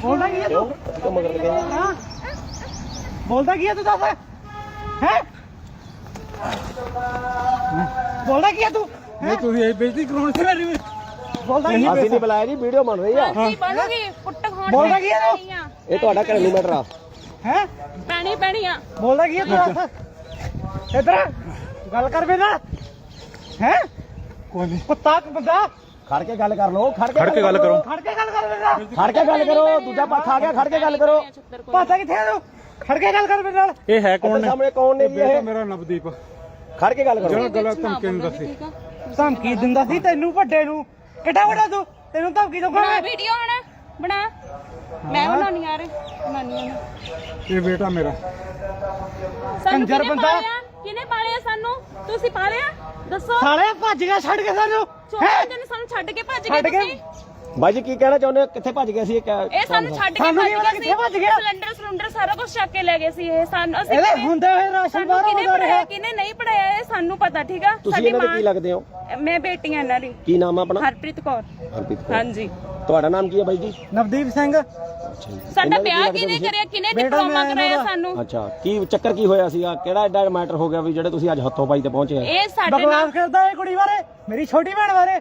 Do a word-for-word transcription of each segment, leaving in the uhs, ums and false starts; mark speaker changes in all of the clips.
Speaker 1: ਬੋਲਦਾ ਕੀ ਹੈ ਤੂੰ
Speaker 2: ਤੂੰ ਮਗਰ ਲੱਗੇ
Speaker 1: ਹਾਂ ਬੋਲਦਾ ਕੀ ਹੈ ਤੂੰ ਦੱਸ ਹੈ ਬੋਲਦਾ ਕੀ ਹੈ ਤੂੰ
Speaker 3: ਨਹੀਂ ਤੁਸੀਂ ਇਹ ਬੇਇੱਜ਼ਤੀ ਕਰਾਉਣੀ ਸੀ ਮੇਰੀ
Speaker 1: ਬੋਲਦਾ ਕੀ ਹੈ
Speaker 2: ਅਸੀਂ ਨਹੀਂ ਬੁਲਾਇਆ ਜੀ ਵੀਡੀਓ ਬਣ ਰਹੀ ਆ
Speaker 4: ਕੀ ਬਣੂਗੀ ਪੁੱਟ ਖਾਣ
Speaker 1: ਬੋਲਦਾ ਕੀ ਹੈ ਤੂੰ
Speaker 2: ਇਹ ਤੁਹਾਡਾ ਘਰੇਲੂ ਮੈਟਰ ਆ
Speaker 1: ਹੈ
Speaker 4: ਪੈਣੀ ਪੈਣੀ ਆ
Speaker 1: ਬੋਲਦਾ ਕੀ ਹੈ ਤੂੰ ਦੱਸ ਇੱਧਰ ਗੱਲ ਕਰ ਮੇਰੇ ਨਾਲ ਹੈ
Speaker 3: ਕੋਈ ਨਹੀਂ
Speaker 1: ਕੁੱਤਾ ਬੰਦਾ
Speaker 2: ਖੜ ਕੇ ਗੱਲ ਕਰ ਲਓ ਖੜ
Speaker 5: ਖੜ ਕੇ ਗੱਲ ਕਰੋ
Speaker 1: ਖੜ ਕੇ ਗੱਲ ਕਰ ਮੇਰੇ ਨਾਲ
Speaker 2: ਖੜ ਕੇ ਗੱਲ ਕਰੋ ਦੂਜਾ ਪੱਖ ਆ ਗਿਆ ਖੜ ਕੇ ਗੱਲ ਕਰੋ
Speaker 1: ਪਾਸਾ ਕਿੱਥੇ ਆ ਤੂੰ ਖੜ ਕੇ ਗੱਲ ਕਰ ਮੇਰੇ ਨਾਲ
Speaker 5: ਇਹ ਹੈ ਕੌਣ ਨੇ
Speaker 2: ਸਾਹਮਣੇ ਕੌਣ ਨੇ ਜੀ
Speaker 3: ਬੇਟਾ
Speaker 2: ਇਹ
Speaker 3: ਮੇਰਾ ਨਵਦੀਪ
Speaker 2: ਖੜ ਕੇ ਗੱਲ ਕਰੋ
Speaker 3: ਜਿਹੜਾ ਗਲਤ ਧਮਕੀ ਨੂੰ ਦੱਸੀ
Speaker 1: ਧਮਕੀ ਦਿੰਦਾ ਸੀ ਤੈਨੂੰ ਵੱਡੇ ਨੂੰ ਕਿੱਡਾ ਵੱਡਾ ਤੂੰ ਤੈਨੂੰ ਧਮਕੀ ਦਊਗਾ
Speaker 4: ਬਣਾ
Speaker 1: ਮੈਂ
Speaker 4: ਵੀਡੀਓ ਹੁਣ ਬਣਾ ਮੈਂ ਬਣਾਉਣੀ ਆ ਰੇ ਬਣਾਉਣੀ ਆ
Speaker 3: ਇਹ ਬੇਟਾ ਮੇਰਾ
Speaker 4: ਸਾਨੂੰ
Speaker 1: ਕੰਜਰ
Speaker 4: ਕਿਹਨੇ
Speaker 1: ਬੰਦਾ।
Speaker 4: ਪਾਲਿਆ? ਕਿਹਨੇ ਪਾਲਿਆ ਸਾਨੂੰ ਤੁਸੀਂ ਪਾਲਿਆ ਦੱਸੋ
Speaker 1: ਸਾਲੇ ਭੱਜ ਗਿਆ ਛੱਡ ਕੇ ਸਾਨੂੰ
Speaker 4: ਚੋਰਾਂ ਨੇ ਸਾਨੂੰ ਛੱਡ ਕੇ ਭੱਜ ਗਏ
Speaker 1: ਛੱਡ ਕੇ
Speaker 4: ਤੁਸੀਂ
Speaker 2: ਬਾਈ ਜੀ ਕੀ ਕਹਿਣਾ ਚਾਹੁੰਦੇ ਹੋ ਕਿੱਥੇ ਭੱਜ ਗਏ ਸੀ ਇਹ ਕਿਆ-
Speaker 4: ਇਹ ਸਾਨੂੰ ਛੱਡ ਕੇ
Speaker 1: ਸਾਨੂੰ
Speaker 4: ਭੱਜ
Speaker 1: ਨਹੀਂ ਪਤਾ
Speaker 4: ਗਏ
Speaker 1: ਕਿੱਥੇ ਭੱਜ ਗਿਆ।
Speaker 4: ਸਿਲੰਡਰ ਸਿਲੰਡਰ ਸਾਰਾ ਕੁਝ ਚੱਕ ਕੇ ਲੈ ਗਏ ਸੀ ਇਹ ਸਾਨੂੰ ਅਸੀਂ
Speaker 1: ਇਹਦੇ
Speaker 4: ਕਿਵੇਂ-
Speaker 1: ਹੁੰਦੇ ਹੋਏ ਰਾਸ਼ਨ
Speaker 4: ਸਾਨੂੰ
Speaker 1: ਬਾਹਰ
Speaker 4: ਕਿਹਨੇ
Speaker 1: ਆਉਂਦਾ ਰਿਹਾ
Speaker 4: ਪੜਾਇਆ ਕਿਹਨੇ ਨਹੀਂ ਪੜਾਇਆ ਇਹ ਸਾਨੂੰ ਪਤਾ ਠੀਕ ਆ
Speaker 2: ਤੁਸੀਂ ਇਹਨਾਂ ਦੇ ਕੀ ਲੱਗਦੇ ਹੋ
Speaker 4: ਮੈਂ ਬੇਟੀ ਆ ਇਹਨਾਂ ਦੀ
Speaker 2: ਕੀ ਨਾਮ ਆ ਆਪਣਾ
Speaker 4: ਹਰਪ੍ਰੀਤ ਕੌਰ
Speaker 2: ਹਰਪ੍ਰੀਤ ਕੌਰ।
Speaker 4: ਹਾਂਜੀ
Speaker 2: ਤੁਹਾਡਾ ਨਾਮ ਕੀ ਹੈ ਬਾਈ ਜੀ
Speaker 1: ਨਵਦੀਪ ਸਿੰਘ
Speaker 4: ਸਾਡਾ
Speaker 2: ਇਹਨਾਂ ਦੇ
Speaker 4: ਵਿਆਹ
Speaker 2: ਕੀ ਲੱਗਦੇ
Speaker 4: ਕਿਹਨੇ
Speaker 2: ਤੁਸੀਂ?
Speaker 4: ਕਰਿਆ ਕਿਹਨੇ
Speaker 1: ਬੇਟਾ
Speaker 4: ਡਿਪਲੋਮਾ
Speaker 1: ਮੈਂ
Speaker 4: ਕਰਾਇਆ
Speaker 1: ਇਹਨਾਂ ਦਾ-
Speaker 4: ਸਾਨੂੰ
Speaker 2: ਅੱਛਾ ਕੀ ਚੱਕਰ ਕੀ ਹੋਇਆ ਸੀਗਾ ਕਿਹੜਾ ਐਡਾ ਮੈਟਰ ਹੋ ਗਿਆ ਵੀ ਜਿਹੜੇ ਤੁਸੀਂ ਅੱਜ ਹੱਥੋਂ ਪਾਈ ਤੇ ਪਹੁੰਚੇ ਆ
Speaker 4: ਇਹ ਸਾਡੇ ਨਾਲ
Speaker 1: ਬਕਵਾਸ ਕਰਦਾ ਇਹ ਕੁੜੀ ਬਾਰੇ ਮੇਰੀ ਛੋਟੀ ਭੈਣ ਬਾਰੇ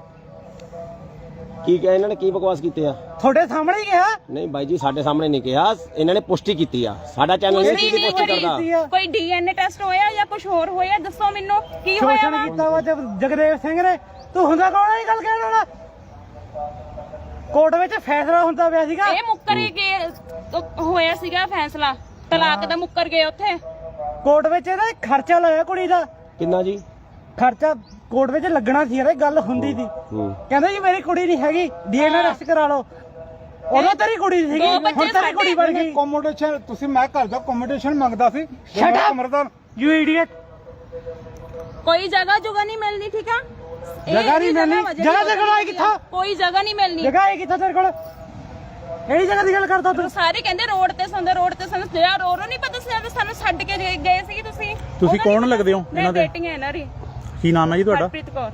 Speaker 2: ਕੀ ਕਿਹਾ ਇਹਨਾਂ ਨੇ ਕੀ ਬਕਵਾਸ ਕੀਤੇ ਆ
Speaker 1: ਤੁਹਾਡੇ ਸਾਹਮਣੇ ਹੀ ਕਿਹਾ
Speaker 2: ਨਹੀਂ ਬਾਈ ਜੀ ਸਾਡੇ ਸਾਹਮਣੇ ਨਹੀਂ ਕਿਹਾ ਇਹਨਾਂ ਨੇ ਪੁਸ਼ਟੀ ਕੀਤੀ ਆ ਸਾਡਾ ਚੈਨਲ ਨਹੀਂ
Speaker 4: ਪੁਸ਼ਟੀ
Speaker 2: ਕੀਤੀ
Speaker 4: ਨਹੀਂ
Speaker 2: ਪੁਸ਼ਟੀ
Speaker 4: ਹੋਈ।
Speaker 2: ਕਰਦਾ
Speaker 1: ਕੀਤੀ ਆ
Speaker 4: ਕੋਈ ਡੀਐਨਏ ਟੈਸਟ ਹੋਇਆ ਜਾਂ ਕੁਝ ਹੋਰ ਹੋਇਆ ਦੱਸੋ ਮੈਨੂੰ ਕੀ ਹੋਇਆ
Speaker 1: ਸ਼ੋਸ਼ਣ
Speaker 4: ਵਾ?
Speaker 1: ਕੀਤਾ ਵਾ ਜਗ- ਜਗਦੇਵ ਸਿੰਘ ਨੇ ਤੂੰ ਹੁੰਦਾ ਕੌਣ ਹੈ ਇਹ ਗੱਲ ਕਹਿਣ ਵਾਲਾ ਕੋਰਟ ਵਿੱਚ ਫੈਸਲਾ ਹੁੰਦਾ ਪਿਆ ਸੀਗਾ
Speaker 4: ਇਹ ਮੁੱਕਰ ਗਏ ਹੋਇਆ ਸੀਗਾ ਫੈਸਲਾ ਤਲਾਕ ਦਾ ਮੁੱਕਰ ਗਏ ਉੱਥੇ
Speaker 1: ਕੋਰਟ ਵਿੱਚ ਇਹਦਾ ਖਰਚਾ ਲਾਇਆ ਕੁੜੀ ਦਾ
Speaker 2: ਕਿੰਨਾ ਜੀ
Speaker 1: ਖਰਚਾ ਕੋਰਟ ਵਿੱਚ ਲੱਗਣਾ ਸੀ ਯਾਰ ਇਹ ਗੱਲ ਹੁੰਦੀ ਸੀ
Speaker 2: ਹੂੰ
Speaker 1: ਕਹਿੰਦੇ ਜੀ ਮੇਰੀ ਕੁੜੀ ਨਹੀਂ ਹੈਗੀ ਡੀਐਨਏ ਟੈਸਟ ਕਰਾ ਲਓ ਉਦੋਂ ਤੇਰੀ ਕੁੜੀ ਸੀਗੀ
Speaker 4: ਦੋ ਬੱਚੇ
Speaker 1: ਹੁਣ ਤੇਰੀ ਕੁੜੀ ਬਣ ਗਈ
Speaker 3: ਕੋਮੋਡੇਸ਼ਨ ਤੁਸੀਂ ਮੈਂ ਘਰ ਦਾ ਕੋਮੋਡੇਸ਼ਨ ਮੰਗਦਾ ਸੀ
Speaker 1: Shut up!
Speaker 3: ਕਮਰਦਾ
Speaker 1: ਯੂ ਇਡੀਅਟ
Speaker 4: ਕੋਈ ਜਗ੍ਹਾ ਜੁਗਾ ਨਹੀਂ ਮਿਲਣੀ ਠੀਕ ਆ ਇਹ
Speaker 1: ਜਗ੍ਹਾ ਨਹੀਂ
Speaker 4: ਇਹਦੀ
Speaker 1: ਮਿਲਣੀ।
Speaker 4: ਵਾ ਜਿਹੜੀ
Speaker 1: ਜਗ੍ਹਾ ਤੇ ਖੜਾਈ ਕਿੱਥੋਂ?
Speaker 4: ਕੋਈ ਜਗ੍ਹਾ ਨਹੀਂ ਮਿਲਣੀ
Speaker 1: ਜਗ੍ਹਾ ਹੈ ਕਿੱਥੇ ਤੇਰੇ ਕੋਲ ਕਿਹੜੀ ਜਗ੍ਹਾ ਦੀ ਗੱਲ ਕਰਦਾ ਤੂੰ
Speaker 4: ਸਾਰੇ ਕਹਿੰਦੇ ਰੋਡ ਤੇ ਸੰਦੇ ਰੋਡ ਤੇ ਸੰਦੇ ਜਿਹੜਾ ਰੋ ਰੋ ਨਹੀਂ ਪਤਾ ਸੀ ਜਦੋਂ ਸਾਨੂੰ ਛੱਡ ਕੇ ਗਏ- ਗਏ ਸੀ ਤੁਸੀਂ
Speaker 5: ਤੁਸੀਂ
Speaker 4: ਉਹਦਾ
Speaker 5: ਕੌਣ
Speaker 4: ਨੀ
Speaker 5: ਲੱਗਦੇ ਹੋ
Speaker 4: ਪਤਾ।
Speaker 5: ਇਹਨਾਂ ਦੇ?
Speaker 4: ਮੈਂ ਬੇਟੀ ਹਾਂ ਇਹਨਾਂ ਦੀ
Speaker 5: ਕੀ ਨਾਮ ਹੈ ਜੀ ਤੁਹਾਡਾ
Speaker 4: ਹਰਪ੍ਰੀਤ ਕੌਰ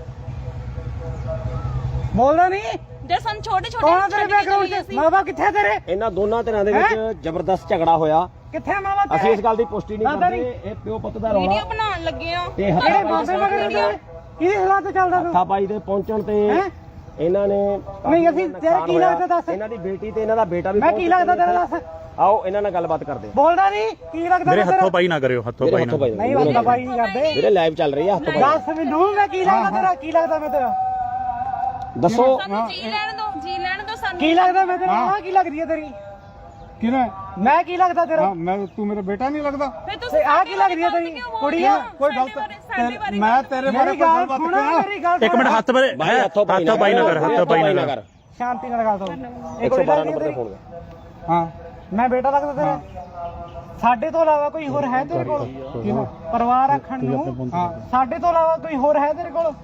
Speaker 1: ਬੋਲਦਾ ਨਹੀਂ
Speaker 4: ਜੇ ਸਾਨੂੰ ਛੋਟੇ ਛੋਟੇ
Speaker 1: ਕੌਣ ਆ ਤੇਰੇ ਬੈਕਗ੍ਰਾਉਂਡ 'ਚ ਮਾਂ ਬਾਪ ਕਿੱਥੇ ਆ ਤੇਰੇ
Speaker 2: ਇਹਨਾਂ ਦੋਨਾਂ ਧਿਰਾਂ ਦੇ ਵਿੱਚ ਜ਼ਬਰਦਸਤ ਝਗੜਾ ਹੋਇਆ
Speaker 1: ਕਿੱਥੇ ਆ ਮਾਂ ਬਾਪ
Speaker 2: ਅਸੀਂ
Speaker 1: ਤੇਰੇ
Speaker 2: ਇਸ ਗੱਲ ਦੀ ਪੁਸ਼ਟੀ ਨਹੀਂ
Speaker 1: ਦਾਦਾ
Speaker 2: ਕਰਦੇ ਇਹ ਪਿਓ ਪੁੱਤ ਦਾ ਰੌਲਾ
Speaker 4: ਵੀਡੀਓ ਬਣਾਉਣ ਲੱਗੇ ਆ
Speaker 2: ਤੇ
Speaker 1: ਕਿਹੜੇ
Speaker 2: ਹੱਥਾਂ
Speaker 1: ਬਾਬੇ ਮਗਰ ਕਿਹਦੇ ਕਿਹਦੀ ਸਲਾਹ ਤੇ ਚੱਲਦਾ ਤੂੰ
Speaker 2: ਪਾਈ ਦੇ ਪਹੁੰਚਣ ਤੇ
Speaker 1: ਹੈਂ?
Speaker 2: ਇਹਨਾਂ ਨੇ
Speaker 1: ਨਹੀਂ, ਅਸੀਂ ਤੇਰਾ ਕੀ ਲੱਗਦਾ ਦੱਸ?
Speaker 2: ਇਹਨਾਂ ਦੀ ਬੇਟੀ ਤੇ ਇਹਨਾਂ ਦਾ ਬੇਟਾ ਵੀ
Speaker 1: ਮੈਂ
Speaker 2: ਪਹੁੰਚ
Speaker 1: ਕੀ ਲੱਗਦਾ
Speaker 2: ਚੁੱਕੇ ਨੇ।
Speaker 1: ਤੇਰਾ ਦੱਸ
Speaker 2: ਆਓ ਇਹਨਾਂ ਨਾਲ ਗੱਲਬਾਤ ਕਰਦੇ ਹਾਂ
Speaker 1: ਬੋਲਦਾ ਨਹੀਂ ਕੀ ਲੱਗਦਾ
Speaker 5: ਮੇਰੇ
Speaker 1: ਤੇਰਾ?
Speaker 5: ਹੱਥੋਂ ਪਾਈ ਨਾ ਕਰਿਓ ਹੱਥੋਂ
Speaker 2: ਮੇਰੇ
Speaker 5: ਪਾਈ
Speaker 2: ਹੱਥੋਂ
Speaker 5: ਨਾ
Speaker 2: ਪਾਈ
Speaker 1: ਨਹੀਂ ਬੰਦਾ ਬਾਈ ਨਹੀਂ ਕਰਦੇ
Speaker 2: ਵੀਰੇ ਲਾਈਵ ਚੱਲ ਰਹੀ ਆ ਹੱਥੋਂ ਪਾਈ
Speaker 1: ਦੱਸ ਮੈਨੂੰ ਮੈਂ ਕੀ ਲੱਗਦਾ ਤੇਰਾ ਕੀ ਲੱਗਦਾ ਮੈਂ ਤੇਰਾ
Speaker 2: ਦੱਸੋ
Speaker 4: ਸਾਨੂੰ ਜੀ ਲੈਣ ਦੋ ਜੀ ਲੈਣ ਦੋ ਸਾਨੂੰ
Speaker 1: ਕੀ ਲੱਗਦਾ ਮੈਂ ਤੇਰਾ ਆਹ ਕੀ ਲੱਗਦੀ ਹੈ ਤੇਰੀ
Speaker 3: ਕਿਨੇ
Speaker 1: ਮੈਂ ਕੀ ਲੱਗਦਾ ਤੇਰਾ
Speaker 3: ਹਾਂ ਮੈਂ ਤੂੰ ਮੇਰਾ ਬੇਟਾ ਨਹੀਂ ਲੱਗਦਾ
Speaker 4: ਫਿਰ ਤੁਸੀਂ
Speaker 1: ਤੇ ਆਹ ਕੀ ਲੱਗਦੀ ਹੈ ਤੇਰੀ ਕੁੜੀ ਆ
Speaker 3: ਕੋਈ
Speaker 4: ਸਾਡੇ
Speaker 3: ਗਲਤ
Speaker 4: ਬਾਰੇ- ਸਾਡੇ ਬਾਰੇ
Speaker 3: ਮੈਂ ਤੇਰੇ ਬਾਰੇ
Speaker 1: ਮੇਰੀ
Speaker 3: ਕੋਈ
Speaker 1: ਗੱਲ
Speaker 3: ਗੱਲਬਾਤ
Speaker 1: ਸੁਣ
Speaker 3: ਕਰਾਂ
Speaker 1: ਮੇਰੀ ਗੱਲ
Speaker 5: ਇੱਕ ਮਿੰਟ ਹੱਥ ਬਾਰੇ
Speaker 2: ਭਾਈ ਹੱਥੋਂ ਪਾਈ
Speaker 5: ਹੱਥੋਂ ਪਾਈ ਨਾ ਕਰ ਹੱਥੋਂ ਪਾਈ ਨਾ ਕਰ
Speaker 1: ਸ਼ਾਂਤੀ ਨਾਲ ਗੱਲ ਕਰੋ ਇਹ
Speaker 2: ਇੱਕ ਸੌ
Speaker 1: ਕੋਈ
Speaker 2: ਬਾਰਾਂ
Speaker 1: ਲੱਗਦੀ
Speaker 2: ਨੰਬਰ
Speaker 1: ਹੈ
Speaker 2: ਤੇ ਫੋਨ
Speaker 1: ਤੇਰੀ?
Speaker 2: ਕਰ
Speaker 3: ਹਾਂ
Speaker 1: ਮੈਂ ਬੇਟਾ ਲੱਗਦਾ ਤੇਰਾ ਸਾਡੇ ਤੋਂ ਇਲਾਵਾ ਕੋਈ ਹੋਰ ਹੈ ਤੇਰੇ ਕੋਲ
Speaker 3: ਕਿਹਨੇ
Speaker 1: ਪਰਿਵਾਰ ਰੱਖਣ ਨੂੰ
Speaker 3: ਹਾਂ
Speaker 1: ਸਾਡੇ ਤੋਂ ਇਲਾਵਾ ਕੋਈ ਹੋਰ ਹੈ ਤੇਰੇ ਕੋਲ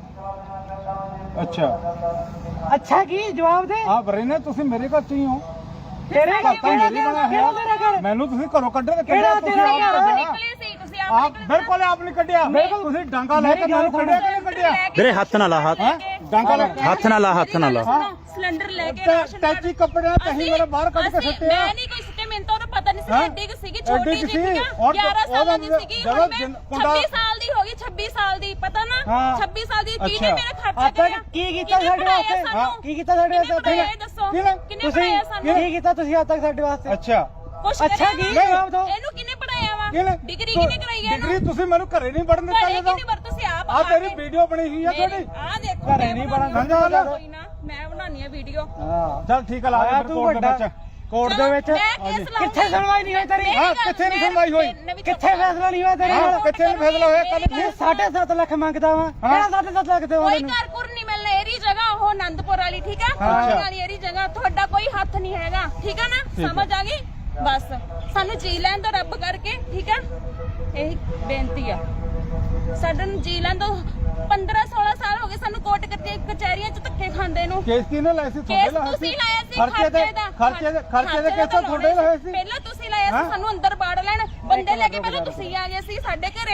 Speaker 3: ਅੱਛਾ
Speaker 1: ਅੱਛਾ ਕੀ ਜਵਾਬ ਦੇ
Speaker 3: ਆ ਬਰੇਨੇ ਤੁਸੀਂ ਮੇਰੇ ਘਰ ਚ ਹੀ ਹੋ
Speaker 1: ਤੇਰੇ
Speaker 3: ਘਰ ਤਾਂ
Speaker 1: ਕਿਹੜਾ
Speaker 3: ਮੇਰੀ ਬਣਿਆ
Speaker 1: ਕਿਹੜਾ ਤੇਰਾ
Speaker 3: ਹੈ
Speaker 1: ਘਰ
Speaker 3: ਮੈਨੂੰ ਤੁਸੀਂ ਘਰੋਂ ਕੱਢੇ ਤੇ
Speaker 1: ਕਿਹੜਾ
Speaker 3: ਤੁਸੀਂ
Speaker 1: ਤੇਰਾ
Speaker 3: ਆਪ
Speaker 1: ਘਰ?
Speaker 3: ਕੱਢਿਆ।
Speaker 4: ਨਿਕਲੇ ਸੀ ਤੁਸੀਂ ਆਪ
Speaker 3: ਆਪ ਬਿਲਕੁਲ ਆਪ ਨਹੀਂ ਕੱਢਿਆ ਤੁਸੀਂ ਡਾਂਗਾ ਲੈ ਕੇ
Speaker 1: ਮੇਰੀ ਗੱਲ
Speaker 3: ਮੈਨੂੰ ਕੱਢਿਆ ਕਿ ਨਹੀਂ ਕੱਢਿਆ
Speaker 5: ਵੀਰੇ ਹੱਥ ਨਾ ਲਾ ਹੱਥ
Speaker 3: ਹੈ ਡਾਂਗਾ ਲੈ ਕੇ
Speaker 5: ਹੱਥ ਨਾ ਲਾ ਹੱਥ ਨਾ ਲਾ
Speaker 4: ਸਿਲੰਡਰ ਲੈ ਕੇ
Speaker 3: ਟੈ-
Speaker 4: ਰਾਸ਼ਨ
Speaker 3: ਟੈਚੀ ਕੱਪੜੇ ਤਹੀਂ ਮੇਰੇ ਬਾਹਰ ਕੱਢ ਕੇ
Speaker 4: ਅਸੀਂ-
Speaker 3: ਸੁੱਟਿਆ
Speaker 4: ਮੈਂ ਨਹੀਂ ਕੋਈ ਸੁੱਟੇ ਮੈਨੂੰ ਤਾਂ ਉਹਦਾ ਪਤਾ ਨਹੀਂ ਸੀ
Speaker 3: ਹੈਂ?
Speaker 4: ਐਡੀ ਕਿ ਸੀਗੀ
Speaker 3: ਐਡੀ
Speaker 4: ਛੋਟੀ
Speaker 3: ਕੁ
Speaker 4: ਜਿਹੀ
Speaker 3: ਸੀ,
Speaker 4: ਸੀਗੀ
Speaker 3: ਔਰ
Speaker 4: ਗਿਆਰਾਂ ਸਾਲਾਂ ਦੀ
Speaker 3: ਉਹਦਾ
Speaker 4: ਸੀਗੀ
Speaker 3: ਜਦੋਂ
Speaker 4: ਹੁਣ ਮੈਂ
Speaker 3: ਜਿੰਨ- ਕੁੰਡਾ-
Speaker 4: ਛੱਬੀ ਸਾਲ ਦੀ ਹੋ ਗਈ ਛੱਬੀ ਸਾਲ ਦੀ ਪਤਾ ਨਾ
Speaker 1: ਹਾਂ।
Speaker 4: ਛੱਬੀ ਸਾਲ ਦੀ ਕਿਹਨੇ
Speaker 3: ਅੱਛਾ।
Speaker 4: ਮੇਰਾ ਖਰਚਾ
Speaker 1: ਆਪਾਂ
Speaker 4: ਕਰਿਆ
Speaker 1: ਕੀ ਕੀਤਾ
Speaker 4: ਕਿਹਨੇ
Speaker 1: ਸਾਡੇ
Speaker 4: ਪੜ੍ਹਾਇਆ
Speaker 1: ਵਾਸਤੇ
Speaker 4: ਸਾਨੂੰ?
Speaker 1: ਕੀ ਕੀਤਾ ਸਾਡੇ
Speaker 4: ਕਿਹਨੇ
Speaker 1: ਵਾਸਤੇ
Speaker 4: ਪੜ੍ਹਾਇਆ ਇਹ ਦੱਸੋ
Speaker 3: ਕਿਹਨੇ?
Speaker 4: ਕਿਹਨੇ
Speaker 1: ਤੁਸੀਂ
Speaker 4: ਪੜਾਇਆ ਸਾਨੂੰ
Speaker 1: ਕੀ ਕੀਤਾ ਤੁਸੀਂ ਅੱਜ ਤੱਕ ਸਾਡੇ ਵਾਸਤੇ
Speaker 3: ਅੱਛਾ
Speaker 4: ਕੁਛ
Speaker 1: ਅੱਛਾ
Speaker 4: ਕਰਿਆ
Speaker 1: ਕੀ
Speaker 4: ਵਾ?
Speaker 1: ਜਵਾਬ ਦਿਓ
Speaker 4: ਇਹਨੂੰ ਕਿਹਨੇ ਪੜਾਇਆ ਵਾ
Speaker 3: ਕਿਹਨੇ
Speaker 4: ਡਿਗਰੀ ਕਿਹਨੇ ਕਰਾਈ ਹੈ
Speaker 3: ਡਿਗਰੀ
Speaker 4: ਇਹਨੂੰ
Speaker 3: ਤੁਸੀਂ ਮੈਨੂੰ ਘਰੇ ਨਹੀਂ ਵੜਨ ਦਿੱਤਾ
Speaker 4: ਘਰੇ
Speaker 3: ਜਦੋਂ
Speaker 4: ਕਿਹਨੇ ਵਰ ਤੁਸੀਂ ਆਪ
Speaker 3: ਆ ਤੇਰੀ ਵੀਡੀਓ ਬਣੀ ਹੋਈ ਆ ਤੁਹਾਡੀ
Speaker 4: ਆ ਦੇਖੋ
Speaker 1: ਘਰੇ ਨਹੀਂ ਬਣਨ
Speaker 3: ਸਮਝਾ ਲੈ
Speaker 4: ਕੋਈ ਨਾ ਮੈਂ ਬਣਾਉਣੀ ਆ ਵੀਡੀਓ
Speaker 1: ਹਾਂ
Speaker 3: ਚੱਲ ਠੀਕ ਆ ਲਾ
Speaker 1: ਆਇਆ
Speaker 3: ਦੇ
Speaker 1: ਤੂੰ
Speaker 3: ਕੋਰਟ ਦੇ
Speaker 1: ਵੱਡਾ
Speaker 3: ਵਿੱਚ
Speaker 1: ਕੋਰਟ ਦੇ ਵਿੱਚ ਕਿੱਥੇ ਸੁਣਵਾਈ ਨਹੀਂ ਹੋਈ ਤੇਰੀ
Speaker 3: ਹਾਂ, ਕਿੱਥੇ ਨੀ ਸੁਣਵਾਈ ਹੋਈ?
Speaker 1: ਕਿੱਥੇ ਫੈਸਲਾ ਨਹੀਂ ਹੋਇਆ ਤੇਰੇ
Speaker 3: ਹਾਂ
Speaker 1: ਨਾਲ
Speaker 3: ਕਿੱਥੇ ਨੀ ਫੈਸਲਾ ਹੋਇਆ ਕੱਲ
Speaker 1: ਇਹ ਸਾਢੇ ਸੱਤ ਲੱਖ ਮੰਗਦਾ ਵਾ ਕਿਹੜਾ ਸਾਢੇ ਸੱਤ ਲੱਖ ਦੇਵਾਂ
Speaker 4: ਕੋਈ
Speaker 1: ਤੈਨੂੰ
Speaker 4: ਘਰ ਘੁਰ ਨਹੀਂ ਮਿਲਣਾ ਇਹਦੀ ਜਗ੍ਹਾ ਉਹ ਆਨੰਦਪੁਰ ਵਾਲੀ ਠੀਕ ਆ ਕੋਲ ਵਾਲੀ ਇਹਦੀ ਜਗ੍ਹਾ ਤੁਹਾਡਾ ਕੋਈ ਹੱਥ ਨਹੀਂ ਹੈਗਾ ਠੀਕ ਆ ਨਾ ਸਮਝ ਆ ਗਈ ਬਸ ਸਾਨੂੰ ਜੀ ਲੈਣ ਦੋ ਰੱਬ ਕਰਕੇ ਠੀਕ ਆ ਇਹ ਬੇਨਤੀ ਆ ਸਾਡੇ ਨੂੰ ਜੀ ਲੈਣ ਦੋ ਪੰਦਰਾਂ ਸੋਲਾਂ ਸਾਲ ਹੋ ਗਏ ਸਾਨੂੰ ਕੋਰਟ ਕਚਹਿਰੀਆਂ ਚ ਧੱਕੇ ਖਾਂਦੇ ਨੂੰ
Speaker 3: ਕੇਸ ਕਿਹਨੇ ਲਾਇਆ ਸੀ
Speaker 4: ਕੇਸ
Speaker 3: ਤੁਹਾਡੇ ਲਾਇਆ
Speaker 4: ਤੁਸੀਂ
Speaker 3: ਸੀ
Speaker 4: ਲਾਇਆ ਸੀ
Speaker 3: ਖਰਚੇ ਦੇ
Speaker 4: ਦਾ
Speaker 3: ਖਰਚੇ ਦੇ ਖਰਚੇ ਦੇ ਕੇਸ ਤੁਹਾਡੇ ਲਾਇਆ ਸੀ
Speaker 4: ਪਹਿਲਾਂ ਤੁਸੀਂ ਲਾਇਆ ਸੀ ਸਾਨੂੰ ਅੰਦਰ ਬਾੜ ਲੈਣ ਬੰਦੇ ਲੈ ਕੇ ਪਹਿਲਾਂ ਤੁਸੀਂ ਆ ਗਏ ਸੀ ਸਾਡੇ ਘਰੇ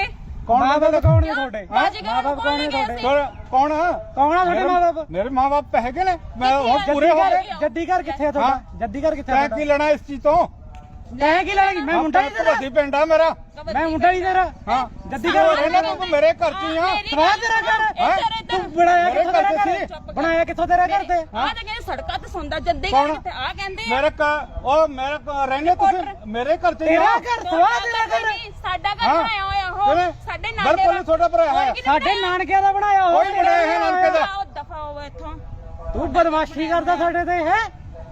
Speaker 3: ਕੌਣ
Speaker 1: ਮਾਂ ਬਾਪ ਕੌਣ ਨੇ ਤੁਹਾਡੇ
Speaker 4: ਬਾਜੀਗਰ
Speaker 1: ਮਾਂ ਬਾਪ ਕੌਣ ਨੇ ਤੁਹਾਡੇ
Speaker 3: ਕੌਣ- ਕੌਣ ਆ
Speaker 1: ਕੌਣ ਆ ਤੁਹਾਡੇ ਮਾਂ ਬਾਪ
Speaker 3: ਮੇਰੇ ਮਾਂ ਬਾਪ ਹੈਗੇ ਨੇ ਮੈਂ ਹੁਣ ਪੂਰੇ ਹੋ ਗਏ
Speaker 1: ਜੱਦੀ ਘਰ ਕਿੱਥੇ ਆ ਤੁਹਾਡਾ ਜੱਦੀ ਘਰ ਕਿੱਥੇ ਆ
Speaker 3: ਤੈਂ ਕੀ ਲੈਣਾ ਇਸ ਚੀਜ਼ ਤੋਂ
Speaker 1: ਤੈਂ ਕੀ ਲੈਣਾ ਮੈਂ ਮੁੰਡਾ ਹੀ ਤੇਰਾ
Speaker 3: ਵੱਡੀ ਪਿੰਡ ਆ ਮੇਰਾ
Speaker 1: ਮੈਂ ਮੁੰਡਾ ਹੀ ਤੇਰਾ
Speaker 3: ਹਾਂ
Speaker 1: ਜੱਦੀ ਘਰ
Speaker 3: ਰਹਿਣਾ ਤੂੰ ਮੇਰੇ ਘਰ ਚ ਹੀ ਆ
Speaker 1: ਸਵਾਹ ਤੇਰਾ ਘਰ ਤੂੰ ਬਣਾਇਆ ਕਿੱਥੋਂ ਤੇਰਾ ਘਰ ਬਣਾਇਆ ਕਿੱਥੋਂ ਤੇਰਾ ਘਰ ਤੇ
Speaker 4: ਆ ਤਾਂ ਕਹਿੰਦੇ ਸੜਕਾਂ ਤੇ ਸੌਂਦਾ ਜੱਦੇ
Speaker 3: ਕੌਣ?
Speaker 4: ਕਿਤੇ ਆ ਕਹਿੰਦੇ ਆ
Speaker 3: ਮੇਰੇ ਘਰ ਉਹ ਮੇਰੇ ਘਰ ਰਹਿੰਦੇ ਤੁਸੀਂ ਮੇਰੇ ਘਰ ਚ ਹੀ
Speaker 1: ਤੇਰਾ
Speaker 3: ਆ
Speaker 1: ਘਰ ਸਵਾਹ ਤੇਰਾ ਘਰ
Speaker 4: ਨਹੀਂ, ਸਾਡਾ ਘਰ
Speaker 3: ਹਾਂ।
Speaker 4: ਬਣਾਇਆ ਹੋਇਆ ਉਹ
Speaker 3: ਕਿਵੇਂ?
Speaker 4: ਸਾਡੇ ਨਾਲੇ
Speaker 3: ਬਿਲਕੁਲ ਨਹੀਂ ਤੁਹਾਡਾ ਭਰਾ ਹੈ
Speaker 1: ਸਾਡੇ ਨਾਨਕਿਆਂ ਦਾ ਬਣਾਇਆ ਹੋਇਆ
Speaker 3: ਕੋਈ ਬਣਾਇਆ ਹੈ ਨਾਨਕੇ ਦਾ
Speaker 4: ਆਓ ਦਫਾ ਹੋਵੇ ਇੱਥੋਂ
Speaker 1: ਤੂੰ ਬਦਮਾਸ਼ੀ ਕਰਦਾ ਸਾਡੇ ਤੇ ਹੈ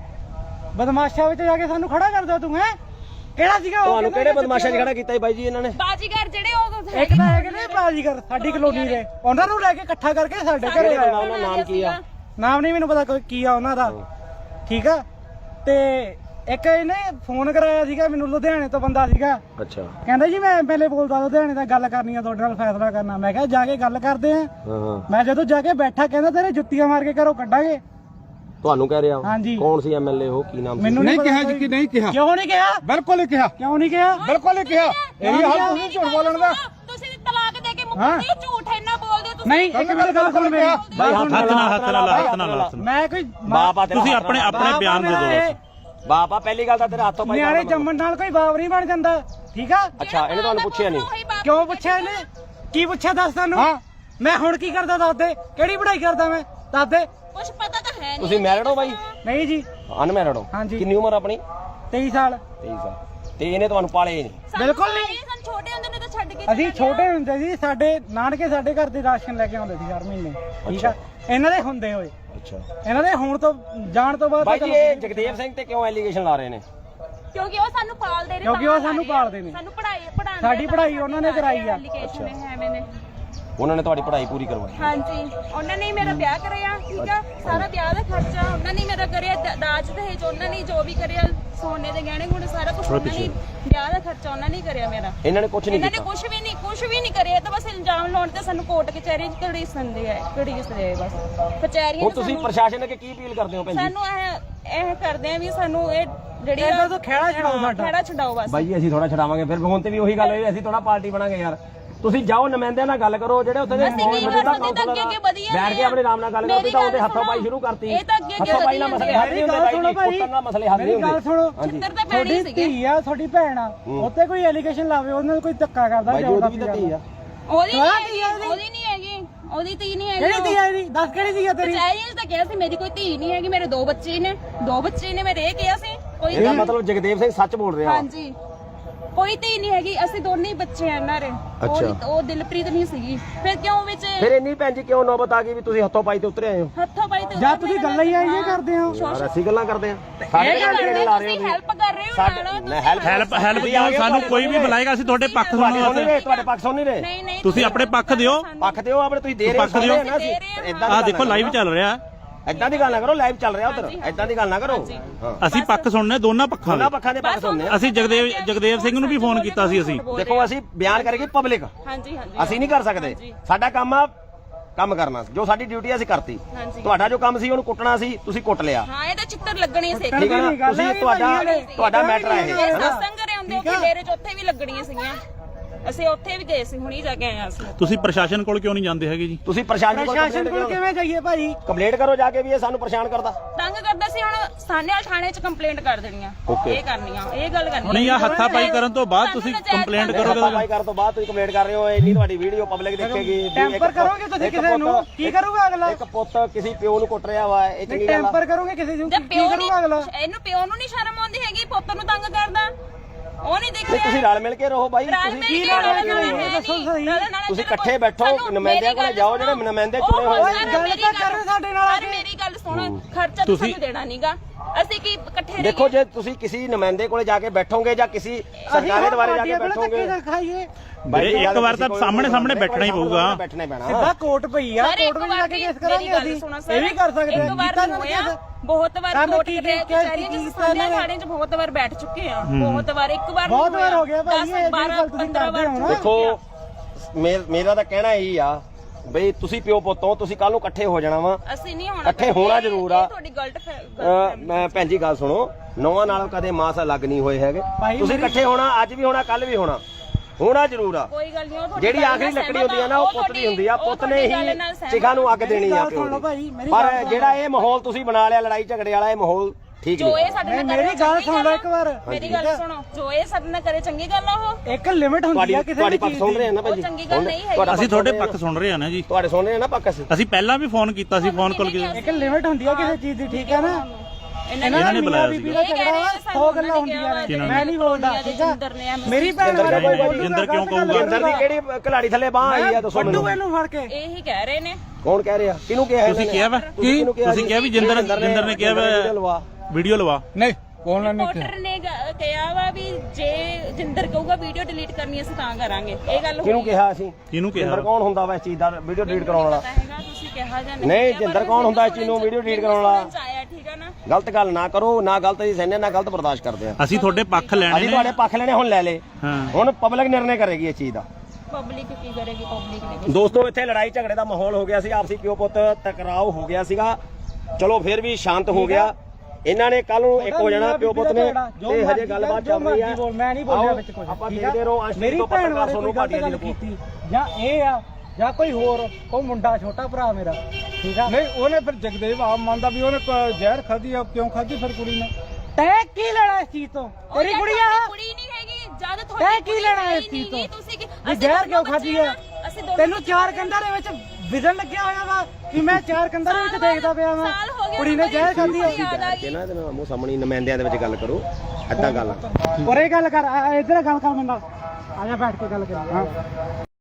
Speaker 1: ਬਦਮਾਸ਼ਾਂ ਵਿੱਚ ਜਾ ਕੇ ਸਾਨੂੰ ਖੜਾ ਕਰਦਾ ਤੂੰ ਹੈ ਕਿਹੜਾ ਸੀਗਾ ਉਹ
Speaker 2: ਤੁਹਾਨੂੰ
Speaker 1: ਕਹਿੰਦਾ
Speaker 2: ਕਿਹੜੇ ਬਦਮਾਸ਼ਾਂ 'ਚ ਖੜਾ ਕੀਤਾ ਜੀ ਬਾਈ ਜੀ ਇਹਨਾਂ ਨੇ
Speaker 4: ਬਾਜੀਗਰ ਜਿਹੜੇ ਉਹ
Speaker 1: ਇੱਕ ਤਾਂ ਹੈਗੇ ਨੇ ਬਾਜੀਗਰ ਸਾਡੀ ਕਲੋਨੀ ਦੇ ਉਹਨਾਂ ਨੂੰ ਲੈ ਕੇ ਇਕੱਠਾ ਕਰਕੇ ਸਾਡੇ ਘਰੇ
Speaker 2: ਕਿਹੜੇ
Speaker 1: ਆਇਆ
Speaker 2: ਨਾਮ ਨਾਲ ਨਾਮ ਕੀ ਆ
Speaker 1: ਨਾਮ ਨਹੀਂ ਮੈਨੂੰ ਪਤਾ ਕੋਈ ਕੀ ਆ ਉਹਨਾਂ ਦਾ ਠੀਕ ਆ ਤੇ ਇੱਕ ਇਹਨੇ ਫੋਨ ਕਰਾਇਆ ਸੀਗਾ ਮੈਨੂੰ ਲੁਧਿਆਣੇ ਤੋਂ ਬੰਦਾ ਸੀਗਾ
Speaker 2: ਅੱਛਾ
Speaker 1: ਕਹਿੰਦਾ ਜੀ ਮੈਂ ਐਮਐਲਏ ਬੋਲਦਾ ਲੁਧਿਆਣੇ ਦਾ ਗੱਲ ਕਰਨੀ ਆ ਤੁਹਾਡੇ ਨਾਲ ਫੈਸਲਾ ਕਰਨਾ ਮੈਂ ਕਿਹਾ ਜਾ ਕੇ ਗੱਲ ਕਰਦੇ ਆ
Speaker 2: ਹਾਂ ਹਾਂ
Speaker 1: ਮੈਂ ਜਦੋਂ ਜਾ ਕੇ ਬੈਠਾ ਕਹਿੰਦਾ ਤੇਰੇ ਜੁੱਤੀਆਂ ਮਾਰ ਕੇ ਘਰੋਂ ਕੱਢਾਂਗੇ
Speaker 2: ਤੁਹਾਨੂੰ ਕਹਿ ਰਿਹਾ
Speaker 1: ਹਾਂਜੀ।
Speaker 2: ਕੌਣ ਸੀ ਐਮਐਲਏ ਉਹ ਕੀ ਨਾਮ ਸੀ
Speaker 1: ਮੈਨੂੰ
Speaker 3: ਨਹੀਂ
Speaker 1: ਪਤਾ
Speaker 3: ਕਿਹਾ ਜੀ
Speaker 1: ਕੋਈ-
Speaker 3: ਕਿ ਨਹੀਂ ਕਿਹਾ
Speaker 1: ਕਿਉਂ ਨਹੀਂ ਕਿਹਾ
Speaker 3: ਬਿਲਕੁਲ ਨਹੀਂ ਕਿਹਾ
Speaker 1: ਕਿਉਂ ਨਹੀਂ ਕਿਹਾ
Speaker 3: ਬਿਲਕੁਲ ਨਹੀਂ ਕਿਹਾ ਇਹੀ ਹਾਲ ਤੁਸੀਂ ਝੂਠ ਬੋਲਣ ਦਾ
Speaker 4: ਤੁਸੀਂ ਤਲਾਕ ਦੇ ਕੇ ਮੁੱਕਦੇ ਹੋ, ਝੂਠ ਇੰਨਾ ਬੋਲਦੇ ਹੋ ਤੁਸੀਂ
Speaker 1: ਨਹੀਂ ਇੱਕ ਮਿੰਟ ਗੱਲ ਸੁਣ ਮੇਰੀ
Speaker 2: ਬਾਈ
Speaker 1: ਗੱਲ ਸੁਣ
Speaker 5: ਹੱਥ ਨਾਲ ਹੱਥ ਨਾਲ ਹੱਥ ਨਾਲ ਹੱਥ ਨਾਲ
Speaker 1: ਮੈਂ ਕੋਈ
Speaker 2: ਬਾਪ ਆ ਤੇਰਾ
Speaker 5: ਤੁਸੀਂ
Speaker 2: ਹੱਥ
Speaker 5: ਆਪਣੇ
Speaker 2: ਨਾਲ।
Speaker 5: ਆਪਣੇ ਬਿਆਨ ਦੇ ਦਿਓ ਬਸ।
Speaker 2: ਬਾਪ ਆ ਪਹਿਲੀ ਗੱਲ ਤਾਂ ਤੇਰਾ ਹੱਥੋਂ ਪਾਈ
Speaker 1: ਨਿਆਣੇ ਜੰਮਣ ਨਾਲ ਕੋਈ ਬਾਪ ਨਹੀਂ ਬਣ ਜਾਂਦਾ ਠੀਕ ਆ
Speaker 2: ਅੱਛਾ ਇਹਨੇ ਤੁਹਾਨੂੰ ਪੁੱਛਿਆ ਨਹੀਂ
Speaker 4: ਉਹੀ ਬਾਪ
Speaker 1: ਕਿਉਂ ਪੁੱਛਿਆ ਇਹਨੇ ਕੀ ਪੁੱਛਿਆ ਦੱਸ ਤੈਨੂੰ
Speaker 3: ਹਾਂ
Speaker 1: ਮੈਂ ਹੁਣ ਕੀ ਕਰਦਾ ਦੱਸ ਦੇ ਕਿਹੜੀ ਪੜ੍ਹਾਈ ਕਰਦਾ ਮੈਂ ਦੱਸ ਦੇ
Speaker 4: ਕੁਝ ਪਤਾ ਤਾਂ ਹੈ ਨਹੀਂ
Speaker 2: ਤੁਸੀਂ ਮੈਰਿਡ ਹੋ ਬਾਈ
Speaker 1: ਨਹੀਂ ਜੀ
Speaker 2: ਅਨਮੈਰਿਡ ਹੋ
Speaker 1: ਹਾਂਜੀ।
Speaker 2: ਕਿੰਨੀ ਉਮਰ ਆਪਣੀ
Speaker 1: ਤੇਈ ਸਾਲ
Speaker 2: ਤੇਈ ਸਾਲ ਤੇ ਇਹਨੇ ਤੁਹਾਨੂੰ ਪਾਲੇ ਨਹੀਂ
Speaker 4: ਸਾਨੂੰ
Speaker 1: ਬਿਲਕੁਲ
Speaker 4: ਪਤਾ
Speaker 1: ਨਹੀਂ।
Speaker 4: ਹੀ ਸਾਨੂੰ ਛੋਟੇ ਹੁੰਦੇ ਨੇ ਤਾਂ ਛੱਡ ਕੇ
Speaker 1: ਅਸੀਂ
Speaker 4: ਚਲੇ
Speaker 1: ਛੋਟੇ ਹੁੰਦੇ ਸੀ ਸਾਡੇ ਨਾਨਕੇ ਸਾਡੇ ਘਰ ਦੇ ਰਾਸ਼ਨ ਲੈ ਕੇ ਆਉਂਦੇ ਸੀ ਹਰ ਮਹੀਨੇ ਠੀਕ ਆ ਇਹਨਾਂ ਦੇ ਹੁੰਦੇ ਹੋਏ
Speaker 2: ਅੱਛਾ
Speaker 1: ਇਹਨਾਂ ਦੇ ਹੁਣ ਤੋਂ ਜਾਣ ਤੋਂ ਬਾਅਦ
Speaker 2: ਬਾਈ
Speaker 1: ਤਾਂ
Speaker 2: ਜੀ
Speaker 1: ਚਲੋ
Speaker 2: ਇਹ ਜਗਦੇਵ ਸਿੰਘ ਤੇ ਕਿਉਂ ਐਲੀਗੇਸ਼ਨ ਲਾ ਰਹੇ ਨੇ
Speaker 4: ਕਿਉਂਕਿ ਉਹ ਸਾਨੂੰ ਪਾਲਦੇ ਨੇ
Speaker 1: ਕਿਉਂਕਿ ਉਹ ਸਾਨੂੰ ਪਾਲਦੇ ਨੇ।
Speaker 4: ਸਾਨੂੰ ਪੜ੍ਹਾਈ ਪੜਾਉਂਦੇ
Speaker 1: ਸਾਡੀ ਪੜ੍ਹਾਈ ਉਹਨਾਂ ਨੇ ਕਰਾਈ ਆ।
Speaker 4: ਐਪਲੀਕੇਸ਼ਨ ਹੈ ਮੈਨੇ
Speaker 2: ਉਹਨਾਂ ਨੇ ਤੁਹਾਡੀ ਪੜ੍ਹਾਈ ਪੂਰੀ ਕਰਵਾਈ
Speaker 4: ਹਾਂਜੀ ਉਹਨਾਂ ਨੇ ਹੀ ਮੇਰਾ ਵਿਆਹ ਕਰਿਆ ਠੀਕ ਆ ਸਾਰਾ ਵਿਆਹ ਦਾ ਖਰਚਾ ਉਹਨਾਂ ਨੇ ਹੀ ਮੇਰਾ ਕਰਿਆ ਦ- ਦਾਜ ਦਹੇਜ ਉਹਨਾਂ ਨੇ ਹੀ ਜੋ ਵੀ ਕਰਿਆ ਸੋਨੇ ਦੇ ਗਹਿਣੇ ਗੁਣੇ ਸਾਰਾ ਕੁਝ ਉਹਨਾਂ ਨੇ ਹੀ- ਵਿਆਹ ਦਾ ਖਰਚਾ ਉਹਨਾਂ ਨੇ ਹੀ ਕਰਿਆ ਮੇਰਾ
Speaker 2: ਇਹਨਾਂ ਨੇ ਕੁਝ ਨਹੀਂ
Speaker 4: ਇਹਨਾਂ ਨੇ
Speaker 2: ਕੀਤਾ
Speaker 4: ਕੁਝ ਵੀ ਨਹੀਂ ਕੁਝ ਵੀ ਨਹੀਂ ਕਰਿਆ ਇਹ ਤਾਂ ਬਸ ਇਲਜ਼ਾਮ ਲਾਉਣ ਤੇ ਸਾਨੂੰ ਕੋਰਟ ਕਚਹਿਰੀ ਚ ਘੜੀਸਦੇ ਆ ਘੜੀਸਦੇ ਆ ਬਸ ਕਚਹਿਰੀਆਂ
Speaker 2: ਹੁਣ
Speaker 4: ਚ
Speaker 2: ਤੁਸੀਂ
Speaker 4: ਸਾਨੂੰ-
Speaker 2: ਪ੍ਰਸ਼ਾਸਨ ਅੱਗੇ ਕੀ ਅਪੀਲ ਕਰਦੇ ਹੋ ਭੈਣ ਜੀ
Speaker 4: ਸਾਨੂੰ ਇਹ ਇਹ ਕਰਦੇ ਆ ਵੀ ਸਾਨੂੰ ਇਹ ਜਿਹੜੀ
Speaker 1: ਇਹਨਾਂ ਤੋਂ ਖਹਿੜਾ ਛਡਾਓ ਸਾਡਾ।
Speaker 4: ਖਹਿੜਾ ਛਡਾਓ ਬਸ
Speaker 2: ਬਾਈ ਜੀ ਅਸੀਂ ਥੋੜਾ ਛਡਾਵਾਂਗੇ ਫਿਰ ਹੁਣ ਤੇ ਵੀ ਉਹੀ ਗੱਲ ਹੋਈ ਅਸੀਂ ਥੋੜਾ ਪਾਰਟੀ ਬਣਾਂਗੇ ਯਾਰ ਤੁਸੀਂ ਜਾਓ ਨੁਮਾਇੰਦਿਆਂ ਨਾਲ ਗੱਲ ਕਰੋ ਜਿਹੜੇ ਉੱਥੇ ਦੇ
Speaker 4: ਅਸੀਂ ਕੀ ਕਰ ਸਕਦੇ ਤਾਂ ਅੱਗੇ ਅੱਗੇ ਵਧੀਆ
Speaker 2: ਬੈਠ ਕੇ ਆਪਣੇ ਨਾਮ ਨਾਲ ਗੱਲ ਕਰੋ
Speaker 4: ਮੇਰੀ
Speaker 2: ਤਾਂ ਉਹਦੇ
Speaker 4: ਗੱਲ
Speaker 2: ਹੱਥੋਂ ਪਾਈ
Speaker 4: ਸੁਣੋ।
Speaker 2: ਸ਼ੁਰੂ ਕਰਤੀ
Speaker 4: ਇਹ ਤਾਂ ਅੱਗੇ ਅੱਗੇ
Speaker 2: ਹੱਥੋਂ ਪਾਈ ਨਾਲ
Speaker 4: ਵਧੀਆ
Speaker 2: ਮਸਲੇ ਹੱਲ ਨਹੀਂ ਹੁੰਦੇ ਬਾਈ ਜੀ ਪੁੱਤਰ ਨਾਲ ਮਸਲੇ ਹੱਲ ਨਹੀਂ
Speaker 1: ਮੇਰੀ ਗੱਲ
Speaker 2: ਹੁੰਦੇ
Speaker 1: ਸੁਣੋ
Speaker 2: ਹਾਂਜੀ
Speaker 4: ਚਿੱਤਰ ਤਾਂ ਪੈਣੀ
Speaker 1: ਤੁਹਾਡੀ
Speaker 4: ਸੀਗੇ
Speaker 1: ਧੀ ਆ ਤੁਹਾਡੀ ਭੈਣ ਆ ਉੱਤੇ ਕੋਈ ਐਲੀਗੇਸ਼ਨ ਲਾਵੇ ਉਹਨਾਂ ਨੂੰ ਕੋਈ ਧੱਕਾ ਕਰਦਾ
Speaker 2: ਬਾਈ ਜੀ ਉਹਦੀ ਵੀ ਤਾਂ ਧੀ ਆ
Speaker 4: ਉਹਦੀ
Speaker 1: ਹਾਂ,
Speaker 4: ਨਹੀਂ
Speaker 1: ਧੀ ਆ
Speaker 4: ਹੈਗੀ
Speaker 1: ਉਹਦੀ।
Speaker 4: ਉਹਦੀ ਨਹੀਂ ਹੈਗੀ ਉਹਦੀ ਧੀ ਨਹੀਂ ਹੈਗੀ
Speaker 1: ਕਿਹੜੀ ਧੀ ਆ ਇਹਦੀ ਦੱਸ ਕਿਹੜੀ ਧੀ ਆ ਤੇਰੀ
Speaker 4: ਕਚਹਿਰੀਆਂ 'ਚ ਤਾਂ ਕਿਹਾ ਸੀ ਮੇਰੀ ਕੋਈ ਧੀ ਨਹੀਂ ਹੈਗੀ ਮੇਰੇ ਦੋ ਬੱਚੇ ਨੇ ਦੋ ਬੱਚੇ ਨੇ ਮੇਰੇ ਇਹ ਕਿਹਾ ਸੀ ਕੋਈ
Speaker 2: ਇਹਦਾ ਮਤਲਬ ਜਗਦੇਵ ਸਿੰਘ ਸੱਚ ਬੋਲ ਰਿਹਾ
Speaker 4: ਹਾਂਜੀ ਕੋਈ ਧੀ ਨਹੀਂ ਹੈਗੀ ਅਸੀਂ ਦੋਨੇ ਹੀ ਬੱਚੇ ਆ ਇਹਨਾਂ ਦੇ ਉਹ
Speaker 2: ਅੱਛਾ।
Speaker 4: ਨਹੀਂ- ਉਹ ਦਿਲਪ੍ਰੀਤ ਨਹੀਂ ਸੀਗੀ ਫਿਰ ਕਿਉਂ ਵਿੱਚ
Speaker 2: ਫਿਰ ਇੰਨੀ ਭੈਣ ਜੀ ਕਿਉਂ ਨੌਬਤ ਆ ਗਈ ਵੀ ਤੁਸੀਂ ਹੱਥੋਂ ਪਾਈ ਤੇ ਉਤਰੇ ਆਏ ਹੋ
Speaker 4: ਹੱਥੋਂ ਪਾਈ ਤੇ
Speaker 1: ਜਾਂ ਤੁਸੀਂ ਗੱਲਾਂ ਹੀ ਆਈਆਂ ਕਰਦੇ ਹੋ
Speaker 2: ਯਾਰ ਅਸੀਂ ਗੱਲਾਂ ਕਰਦੇ ਆ ਸਾਡੇ
Speaker 4: ਇਹ
Speaker 2: ਨਾਲ
Speaker 4: ਕਰਦੇ
Speaker 2: ਲਾ ਰਹੇ
Speaker 4: ਤੁਸੀਂ
Speaker 2: ਹੋ
Speaker 4: ਹੈਲਪ ਕਰ ਰਹੇ ਹੋ
Speaker 2: ਸਾਡੇ
Speaker 4: ਨਾਲ
Speaker 2: ਮੈਂ ਹੈਲਪ
Speaker 5: ਹੈਲਪ ਹੈਲਪ ਕਿਉਂ ਸਾਨੂੰ ਕੋਈ ਵੀ ਬੁਲਾਏਗਾ ਅਸੀਂ ਤੁਹਾਡੇ ਪੱਖ
Speaker 2: ਤੁਹਾਡੇ ਸੁਣ
Speaker 5: ਸੁਣਨ
Speaker 2: ਨਹੀਂ ਰਹੇ ਤੁਹਾਡੇ ਪੱਖ ਸੁਣ ਨਹੀਂ ਰਹੇ
Speaker 4: ਨਹੀਂ ਨਹੀਂ
Speaker 5: ਤੁਸੀਂ ਆਪਣੇ ਪੱਖ ਦਿਓ
Speaker 2: ਪੱਖ ਦਿਓ ਆਪਣੇ ਤੁਸੀਂ ਦੇ ਰਹੇ ਹੋ
Speaker 5: ਪੱਖ ਦਿਓ।
Speaker 2: ਨਾ ਅਸੀਂ ਇਦਾਂ
Speaker 5: ਆਹ ਦੇਖੋ ਲਾਈਵ ਚੱਲ ਰਿਹਾ
Speaker 2: ਇਦਾਂ ਦੀ ਗੱਲ ਨਾ ਕਰੋ ਲਾਈਵ ਚੱਲ ਰਿਹਾ ਉਧਰ ਇਦਾਂ ਦੀ ਗੱਲ ਨਾ ਕਰੋ ਹਾਂ
Speaker 5: ਅਸੀਂ ਪੱਖ ਸੁਣਨੇ ਦੋਨਾਂ ਪੱਖਾਂ
Speaker 2: ਉਹਨਾਂ
Speaker 5: ਦੇ
Speaker 2: ਪੱਖਾਂ ਦੇ ਪੱਖ ਸੁਣਨੇ ਆ।
Speaker 5: ਅਸੀਂ ਜਗਦੇਵ ਜਗਦੇਵ ਸਿੰਘ ਨੂੰ ਵੀ ਫੋਨ ਕੀਤਾ ਸੀ ਅਸੀਂ
Speaker 2: ਦੇਖੋ ਅਸੀਂ ਬਿਆਨ ਕਰਾਂਗੇ ਪਬਲਿਕ
Speaker 4: ਹਾਂਜੀ ਹਾਂਜੀ
Speaker 2: ਅਸੀਂ ਨਹੀਂ ਕਰ ਸਕਦੇ ਸਾਡਾ ਕੰਮ ਆ ਕੰਮ ਕਰਨਾ ਜੋ ਸਾਡੀ ਡਿਊਟੀ ਅਸੀਂ ਕਰਤੀ
Speaker 4: ਹਾਂਜੀ।
Speaker 2: ਤੁਹਾਡਾ ਜੋ ਕੰਮ ਸੀ ਉਹਨੂੰ ਕੁੱਟਣਾ ਸੀ ਤੁਸੀਂ ਕੁੱਟ ਲਿਆ
Speaker 4: ਹਾਂ ਇਹ ਤਾਂ ਚਿੱਤਰ ਲੱਗਣੇ ਸੀ
Speaker 2: ਠੀਕ ਹੈ ਨਾ ਤੁਸੀਂ ਤੁਹਾਡਾ ਤੁਹਾਡਾ ਮੈਟਰ ਹੈ ਇਹ ਹੈਨਾ?
Speaker 4: ਸਤਸੰਗ ਕਰੇ ਹੁੰਦੇ ਉੱਥੇ ਡੇਰੇ 'ਚ ਉੱਥੇ ਵੀ ਲੱਗਣੀਆਂ ਸੀਗੀਆਂ ਅਸੀਂ ਉੱਥੇ ਵੀ ਗਏ ਸੀ ਹੁਣੀ ਜਾ ਕੇ ਆਏ ਅਸੀਂ
Speaker 5: ਤੁਸੀਂ ਪ੍ਰਸ਼ਾਸਨ ਕੋਲ ਕਿਉਂ ਨਹੀਂ ਜਾਂਦੇ ਹੈਗੇ ਜੀ
Speaker 2: ਤੁਸੀਂ ਪ੍ਰਸ਼ਾਸਨ ਕੋਲ
Speaker 1: ਪ੍ਰਸ਼ਾਸਨ ਕੋਲ ਕਿਵੇਂ ਜਾਈਏ ਭਾਜੀ
Speaker 2: ਕੰਪਲੇਂਟ ਕਰੋ ਜਾ ਕੇ ਵੀ ਇਹ ਸਾਨੂੰ ਪਰੇਸ਼ਾਨ ਕਰਦਾ
Speaker 4: ਤੰਗ ਕਰਦਾ ਸੀ ਹੁਣ ਸਾਨੇਵਾਲ ਥਾਣੇ 'ਚ ਕੰਪਲੇਂਟ ਕਰ ਦੇਣੀਆਂ
Speaker 2: Okay.
Speaker 4: ਇਹ ਕਰਨੀਆਂ ਇਹ ਗੱਲ ਕਰਨੀ
Speaker 5: ਨਹੀਂ ਆ ਹੱਥਾ ਪਾਈ ਕਰਨ ਤੋਂ ਬਾਅਦ ਤੁਸੀਂ ਕੰਪਲੇਂਟ ਕਰੋਗੇ
Speaker 2: ਸਫਾਈ ਕਰਨ ਤੋਂ ਬਾਅਦ ਤੁਸੀਂ ਕੰਪਲੇਂਟ ਕਰ ਰਹੇ ਹੋ ਇੰਨੀ ਤੁਹਾਡੀ ਵੀਡੀਓ ਪਬਲਿਕ ਦੇਖੇਗੀ ਵੀ ਇੱਕ
Speaker 1: ਟੈਂਪਰ ਕਰੋਗੇ ਤੁਸੀਂ
Speaker 2: ਇੱਕ
Speaker 1: ਕਿਸੇ ਨੂੰ
Speaker 2: ਪੁੱਤ-
Speaker 1: ਕੀ ਕਰੂਗਾ ਅਗਲਾ
Speaker 2: ਇੱਕ ਪੁੱਤ ਕਿਸੇ ਪਿਓ ਨੂੰ ਕੁੱਟ ਰਿਹਾ ਵਾ ਇਹ ਚੰਗੀ ਗੱਲ ਆ
Speaker 1: ਟੈਂਪਰ ਕਰੋਗੇ ਕਿਸੇ ਨੂੰ
Speaker 4: ਜੇ
Speaker 1: ਕੀ
Speaker 4: ਪਿਓ
Speaker 1: ਕਰੂਗਾ ਅਗਲਾ
Speaker 4: ਨਹੀਂ ਇਹਨੂੰ ਪਿਓ ਨੂੰ ਨਹੀਂ ਸ਼ਰਮ ਆਉਂਦੀ ਹੈਗੀ ਪੁੱਤ ਨੂੰ ਤੰਗ ਕਰਦਾ ਉਹ ਨਹੀਂ ਦਿਖ
Speaker 2: ਨਹੀਂ
Speaker 4: ਰਿਹਾ
Speaker 2: ਤੁਸੀਂ ਰਲ ਮਿਲ ਕੇ ਰਹੋ ਬਾਈ
Speaker 4: ਰਲ
Speaker 2: ਤੁਸੀਂ
Speaker 4: ਮਿਲ
Speaker 1: ਕੀ
Speaker 4: ਕੇ
Speaker 1: ਨਾਲ
Speaker 4: ਰਲ
Speaker 1: ਮਿਲ ਕੇ
Speaker 4: ਮਿਲ ਕੇ
Speaker 1: ਦੱਸੋ ਸਹੀ।
Speaker 4: ਰਲ ਨਾਲ
Speaker 2: ਤੁਸੀਂ
Speaker 4: ਜਦੋਂ
Speaker 2: ਇਕੱਠੇ ਬੈਠੋ,
Speaker 4: ਸਾਨੂੰ
Speaker 2: ਨੁਮਾਇੰਦਿਆਂ ਕੋਲੇ
Speaker 4: ਮੇਰੀ
Speaker 2: ਜਾਓ,
Speaker 4: ਗੱਲ
Speaker 2: ਜਿਹੜੇ
Speaker 4: ਸੁਣੋ।
Speaker 2: ਨੁਮਾਇੰਦੇ
Speaker 4: ਉਹ
Speaker 2: ਚੁਣੇ ਹੋਏ
Speaker 4: ਸਰ,
Speaker 1: ਗੱਲ
Speaker 4: ਮੇਰੀ
Speaker 1: ਤਾਂ
Speaker 4: ਗੱਲ-
Speaker 1: ਕਰਨ ਸਾਡੇ ਨਾਲ ਆ
Speaker 4: ਸਰ,
Speaker 1: ਕੇ।
Speaker 4: ਮੇਰੀ ਗੱਲ ਸੁਣੋ ਖਰਚਾ ਤਾਂ
Speaker 5: ਤੁਸੀਂ-
Speaker 4: ਸਾਨੂੰ ਦੇਣਾ ਨਹੀਂਗਾ ਅਸੀਂ ਕੀ ਇਕੱਠੇ
Speaker 2: ਦੇਖੋ ਜੇ ਤੁਸੀਂ ਕਿਸੇ ਨੁਮਾਇੰਦੇ ਕੋਲੇ ਜਾ ਕੇ ਬੈਠੋਗੇ ਜਾਂ ਕਿਸੇ ਸਰਕਾਰੀ ਦੁਆਰੇ ਜਾ ਕੇ ਬੈਠੋਗੇ
Speaker 1: ਖਾਈਏ
Speaker 2: ਬਾਈ ਜੀ,
Speaker 5: ਇੱਕ ਵਾਰ ਤਾਂ
Speaker 2: ਕੋਈ-
Speaker 5: ਸਾਹਮਣੇ ਸਾਹਮਣੇ ਬੈਠਣਾ ਹੀ ਪਊਗਾ
Speaker 2: ਬੈਠਣਾ ਹੀ ਪੈਣਾ
Speaker 1: ਸਿੱਧਾ ਕੋਰਟ ਪਈ ਆ
Speaker 4: ਸਰ,
Speaker 1: ਕੋਰਟ
Speaker 4: ਇੱਕ
Speaker 1: ਵਿੱਚ ਜਾ
Speaker 4: ਵਾਰ
Speaker 1: ਕੇ
Speaker 4: ਦੀ
Speaker 1: ਕੇਸ
Speaker 4: ਮੇਰੀ
Speaker 1: ਕਰਾਂਗੇ
Speaker 4: ਗੱਲ
Speaker 1: ਅਸੀਂ
Speaker 4: ਸੁਣੋ
Speaker 1: ਇਹ ਵੀ ਕਰ ਸਕਦੇ
Speaker 4: ਇੱਕ
Speaker 1: ਆ
Speaker 4: ਵਾਰ
Speaker 1: ਕੀਤਾ
Speaker 4: ਨਹੀਂ
Speaker 1: ਨਾ
Speaker 4: ਹੋਇਆ
Speaker 1: ਕੇਸ
Speaker 4: ਬਹੁਤ ਵਾਰ
Speaker 1: ਕੰਮ
Speaker 4: ਕੋਰਟ
Speaker 1: ਕੀ-
Speaker 4: ਦੇ
Speaker 1: ਕੀ-
Speaker 4: ਕਚਹਿਰੀਆਂ
Speaker 1: ਕੀ-
Speaker 4: ਚ ਸੰਧਿਆ ਥਾਣੇ ਚ ਬਹੁਤ ਵਾਰ ਬੈਠ ਚੁੱਕੇ ਆ ਬਹੁਤ ਵਾਰ ਇੱਕ ਵਾਰ ਨਹੀਂ
Speaker 1: ਬਹੁਤ ਵਾਰ ਹੋ ਗਿਆ ਭਾਈ,
Speaker 4: ਦਸ,
Speaker 1: ਇਹ ਜਿਹੜੀ
Speaker 4: ਬਾਰਾਂ,
Speaker 1: ਗੱਲ ਤੁਸੀਂ
Speaker 4: ਪੰਦਰਾਂ
Speaker 1: ਕਰਦੇ ਹੋ ਨਾ।
Speaker 4: ਵਾਰ
Speaker 2: ਦੇਖੋ ਮੇਰ- ਮੇਰਾ ਤਾਂ ਕਹਿਣਾ ਇਹੀ ਆ ਬਈ ਤੁਸੀਂ ਪਿਓ ਪੁੱਤੋਂ ਤੁਸੀਂ ਕੱਲ ਨੂੰ ਇਕੱਠੇ ਹੋ ਜਾਣਾ ਵਾ
Speaker 4: ਅਸੀਂ ਨਹੀਂ ਹੋਣਾ
Speaker 2: ਇਕੱਠੇ ਹੋਣਾ
Speaker 4: ਇਹ-
Speaker 2: ਜ਼ਰੂਰ
Speaker 4: ਇਹ
Speaker 2: ਆ।
Speaker 4: ਤੁਹਾਡੀ ਗਲਤ ਫੈ-
Speaker 2: ਅਹ
Speaker 4: ਗਲਤ
Speaker 2: ਮੈਂ ਭੈਣ ਜੀ ਗੱਲ ਸੁਣੋ ਨੌਵਾਂ ਨਾਲ ਕਦੇ ਮਾਸ ਅਲੱਗ ਨਹੀਂ ਹੋਏ ਹੈਗੇ
Speaker 1: ਭਾਈ
Speaker 2: ਤੁਸੀਂ
Speaker 1: ਮੇਰੀ-
Speaker 2: ਇਕੱਠੇ ਹੋਣਾ ਅੱਜ ਵੀ ਹੋਣਾ ਕੱਲ ਵੀ ਹੋਣਾ ਹੋਣਾ ਜ਼ਰੂਰ ਆ।
Speaker 4: ਕੋਈ ਗੱਲ ਨਹੀਂ, ਉਹ ਤੁਹਾਡੀ
Speaker 2: ਜਿਹੜੀ
Speaker 4: ਗੱਲ
Speaker 2: ਆਖਰੀ
Speaker 4: ਨਾਲ
Speaker 2: ਲੱਕੜੀ ਹੁੰਦੀ ਆ ਨਾ ਉਹ ਪੁੱਤ ਦੀ ਹੁੰਦੀ ਆ,
Speaker 4: ਉਹ
Speaker 2: ਪੁੱਤ ਨੇ
Speaker 4: ਤੁਹਾਡੀ ਗੱਲ
Speaker 2: ਹੀ
Speaker 4: ਨਾਲ ਸਹਿਮਤ
Speaker 2: ਚਿਖਾ ਨੂੰ ਅੱਗ ਦੇਣੀ ਆ
Speaker 1: ਗੱਲ
Speaker 2: ਪਿਓ
Speaker 1: ਸੁਣ ਲਓ
Speaker 2: ਦੀ।
Speaker 1: ਭਾਈ, ਮੇਰੀ
Speaker 2: ਪਰ
Speaker 1: ਗੱਲ ਸੁਣ
Speaker 2: ਜਿਹੜਾ ਇਹ ਮਾਹੌਲ ਤੁਸੀਂ ਬਣਾ ਲਿਆ ਲੜਾਈ ਝਗੜੇ ਵਾਲਾ, ਇਹ ਮਾਹੌਲ ਠੀਕ
Speaker 4: ਜੋ
Speaker 2: ਨਹੀਂ।
Speaker 4: ਇਹ ਸਾਡੇ ਨਾਲ
Speaker 1: ਨਹੀਂ,
Speaker 4: ਕਰੇ
Speaker 1: ਮੇਰੀ ਗੱਲ
Speaker 4: ਚੰਗੀ
Speaker 1: ਸੁਣ ਲਓ ਇੱਕ ਵਾਰ।
Speaker 4: ਮੇਰੀ ਗੱਲ ਸੁਣੋ, ਜੋ ਇਹ ਸਾਡੇ ਨਾਲ ਕਰੇ ਚੰਗੀ ਗੱਲ ਆ ਉਹ
Speaker 1: ਇੱਕ ਲਿਮਿਟ ਹੁੰਦੀ
Speaker 2: ਤੁਹਾਡੀ
Speaker 1: ਆ ਕਿਸੇ
Speaker 2: ਤੁਹਾਡੀ
Speaker 1: ਵੀ
Speaker 2: ਪੱਖ
Speaker 1: ਚੀਜ਼
Speaker 2: ਸੁਣ ਰਹੇ ਆ
Speaker 1: ਦੀ।
Speaker 2: ਨਾ ਭਾਈ
Speaker 4: ਉਹ
Speaker 2: ਜੀ,
Speaker 4: ਚੰਗੀ ਗੱਲ ਨਹੀਂ ਹੈਗੀ।
Speaker 5: ਅਸੀਂ ਤੁਹਾਡੇ ਪੱਖ ਸੁਣ ਰਹੇ ਆ ਨਾ ਜੀ।
Speaker 2: ਤੁਹਾਡੇ ਸੁਣ ਰਹੇ ਆ ਨਾ ਪੱਖ ਅਸੀਂ।
Speaker 5: ਅਸੀਂ ਪਹਿਲਾਂ ਵੀ ਫੋਨ ਕੀਤਾ ਸੀ, ਫੋਨ ਕਾਲ ਕੀਤੀ।
Speaker 1: ਇੱਕ ਲਿਮਿਟ ਹੁੰਦੀ ਆ ਕਿਸੇ ਚੀਜ਼ ਦੀ, ਠੀਕ ਹੈ ਨਾ?
Speaker 5: ਇਹਨਾਂ ਨੇ ਬੁਲਾਇਆ ਸੀ।
Speaker 1: ਬੀਬੀ ਦਾ ਝਗੜਾ ਸੌ ਗੱਲਾਂ ਹੁੰਦੀਆਂ ਨੇ, ਮੈਂ ਨਹੀਂ ਬੋਲਦਾ, ਠੀਕ ਆ? ਮੇਰੀ ਭੈਣ ਬਾਰੇ ਕੋਈ ਬੋਲੂਗਾ,
Speaker 5: ਜਿੰਦਰ ਕਿਉਂ ਕਹੂਗਾ?
Speaker 2: ਜਿੰਦਰ ਦੀ ਕਿਹੜੀ ਕਲਾੜੀ ਥੱਲੇ ਬਾਹ ਆਈ ਆ ਦੱਸੋ
Speaker 1: ਵੱਡੂ
Speaker 2: ਮੈਨੂੰ।
Speaker 1: ਇਹਨੂੰ ਫੜ ਕੇ
Speaker 4: ਇਹੀ ਕਹਿ ਰਹੇ ਨੇ।
Speaker 2: ਕੌਣ ਕਹਿ ਰਿਹਾ? ਕਿਹਨੂੰ ਕਿਹਾ
Speaker 5: ਤੁਸੀਂ ਕਿਹਾ ਵਾ
Speaker 2: ਕੀ
Speaker 5: ਤੁਸੀਂ ਕਿਹਾ ਵੀ ਜਿੰਦਰ ਜਿੰਦਰ ਨੇ ਕਿਹਾ ਵਾ ਵੀਡੀਓ ਲਵਾ।
Speaker 3: ਨਹੀਂ ਕੌਣ ਨਹੀਂ
Speaker 4: ਰਿਪੋਰਟਰ ਨੇ ਗ- ਕਿਹਾ ਵਾ ਵੀ ਜੇ ਜਿੰਦਰ ਕਹੂਗਾ ਵੀਡੀਓ ਡਿਲੀਟ ਕਰਨੀ ਅਸੀਂ ਤਾਂ ਕਰਾਂਗੇ। ਇਹ ਗੱਲ ਹੋਈ
Speaker 2: ਕਿਹਨੂੰ ਕਿਹਾ ਅਸੀਂ?
Speaker 5: ਕਿਹਨੂੰ ਕਿਹਾ?
Speaker 2: ਜਿੰਦਰ ਕੌਣ ਹੁੰਦਾ ਵਾ ਇਸ ਚੀਜ਼ ਦਾ ਵੀਡੀਓ ਡਿਲੀਟ ਕਰਾਉਣ ਵਾਲਾ?
Speaker 4: ਪਤਾ ਹੈਗਾ, ਤੁਸੀਂ ਕਿਹਾ ਜਾਂ
Speaker 2: ਨਹੀਂ,
Speaker 4: ਕਿਹਾ,
Speaker 2: ਜਿੰਦਰ
Speaker 4: ਪਰ
Speaker 2: ਕੌਣ ਹੁੰਦਾ ਇਸ
Speaker 4: ਮੈਨੂੰ
Speaker 2: ਚੀਜ਼ ਨੂੰ ਵੀਡੀਓ ਡਿਲੀਟ ਕਰਾਉਣ ਵਾਲਾ?
Speaker 4: ਸੁਣਨ ਚ ਆਇਆ, ਠੀਕ ਆ ਨਾ?
Speaker 2: ਗਲਤ ਗੱਲ ਨਾ ਕਰੋ, ਨਾ ਗਲਤ ਜੀ ਸਹਿਨੇ, ਨਾ ਗਲਤ ਬਰਦਾਸ਼ਤ ਕਰਦੇ ਆ।
Speaker 5: ਅਸੀਂ ਤੁਹਾਡੇ ਪੱਖ ਲੈਣੇ
Speaker 2: ਅਸੀਂ
Speaker 5: ਨੇ।
Speaker 2: ਤੁਹਾਡੇ ਪੱਖ ਲੈਣੇ ਹੁਣ ਲੈ ਲੇ।
Speaker 5: ਹਾਂ।
Speaker 2: ਹੁਣ ਪਬਲਿਕ ਨਿਰਣੇ ਕਰੇਗੀ ਇਸ ਚੀਜ਼ ਦਾ।
Speaker 4: ਪਬਲਿਕ ਕੀ ਕਰੇਗੀ? ਪਬਲਿਕ ਨੇ
Speaker 2: ਦੋਸਤੋ ਇੱਥੇ ਲੜਾਈ ਝਗੜੇ ਦਾ ਮਾਹੌਲ ਹੋ ਗਿਆ ਸੀ, ਆਪਸੀ ਪਿਓ ਪੁੱਤ ਟਕਰਾਓ ਹੋ ਗਿਆ ਸੀਗਾ। ਚਲੋ ਫਿਰ ਵੀ ਸ਼ਾਂਤ ਹੋ ਗਿਆ। ਇਹਨਾਂ ਨੇ ਕੱਲ ਨੂੰ ਇੱਕ ਹੋ ਜਾਣਾ ਪਿਓ ਪੁੱਤ ਨੇ, ਤੇ ਹਜੇ ਗੱਲਬਾਤ ਚੱਲ ਰਹੀ ਆ।
Speaker 1: ਮੈਂ ਨਹੀਂ ਬੋਲਿਆ ਵਿੱਚ ਕੁਝ,
Speaker 2: ਆਪਾਂ
Speaker 1: ਠੀਕ ਆ?
Speaker 2: ਦੇਖਦੇ ਰਹੋ।
Speaker 1: ਮੇਰੀ ਭੈਣ ਬਾਰੇ ਕੋਈ ਗਲਤ ਗੱਲ ਕੀਤੀ ਜਾਂ ਇਹ ਆ ਜਾਂ ਕੋਈ ਹੋਰ, ਕੋਈ ਮੁੰਡਾ ਛੋਟਾ ਭਰਾ ਮੇਰਾ, ਠੀਕ ਆ?
Speaker 3: ਨਹੀਂ ਉਹਨੇ ਫਿਰ ਜਗਦੇਵ ਆਪ ਮੰਨਦਾ ਵੀ ਉਹਨੇ ਕ- ਜ਼ਹਿਰ ਖਾਧੀ ਆ, ਕਿਉਂ ਖਾਧੀ ਫਿਰ ਕੁੜੀ ਨੇ?
Speaker 1: ਤੈਂ ਕੀ ਲੈਣਾ ਇਸ ਚੀਜ਼ ਤੋਂ? ਤੇਰੀ ਕੁੜੀ ਆ,
Speaker 4: ਕੁੜੀ ਨਹੀਂ ਹੈਗੀ, ਜਦ
Speaker 1: ਤੈਂ
Speaker 4: ਤੁਹਾਡੀ
Speaker 1: ਕੀ ਲੈਣਾ ਇਸ ਚੀਜ਼ ਤੋਂ?
Speaker 4: ਤੁਸੀਂ ਕੀ
Speaker 1: ਵੀ ਜ਼ਹਿਰ ਕਿਉਂ ਖਾਧੀ ਆ?
Speaker 4: ਅਸੀਂ ਦੋਨੋਂ
Speaker 1: ਤੈਨੂੰ ਚਾਰ ਕੰਧਾਂ ਦੇ ਵਿੱਚ ਵਿਜ਼ਨ ਲੱਗਿਆ ਹੋਇਆ ਵਾ ਕਿ ਮੈਂ ਚਾਰ ਕੰਧਾਂ ਦੇ ਵਿੱਚ ਦੇਖਦਾ ਪਿਆ ਵਾਂ,
Speaker 4: ਸਾਲ ਹੋ ਗਿਆ
Speaker 1: ਕੁੜੀ ਨੇ ਜ਼ਹਿਰ ਖਾਧੀ ਆ।
Speaker 2: ਕਿ ਨਾ ਇਹਦੇ ਨਾਲ ਮੂੰਹ ਸਾਹਮਣੇ ਨੁਮਾਇੰਦਿਆਂ ਦੇ ਵਿੱਚ ਗੱਲ ਕਰੋ, ਏਦਾਂ ਗੱਲ
Speaker 1: ਉਰੇ ਗੱਲ ਕਰ, ਆ- ਇੱਧਰ ਗੱਲ ਕਰ ਮੇਰੇ ਨਾਲ, ਆ ਜਾ ਬੈਠ ਕੇ ਗੱਲ ਕਰਾਂ।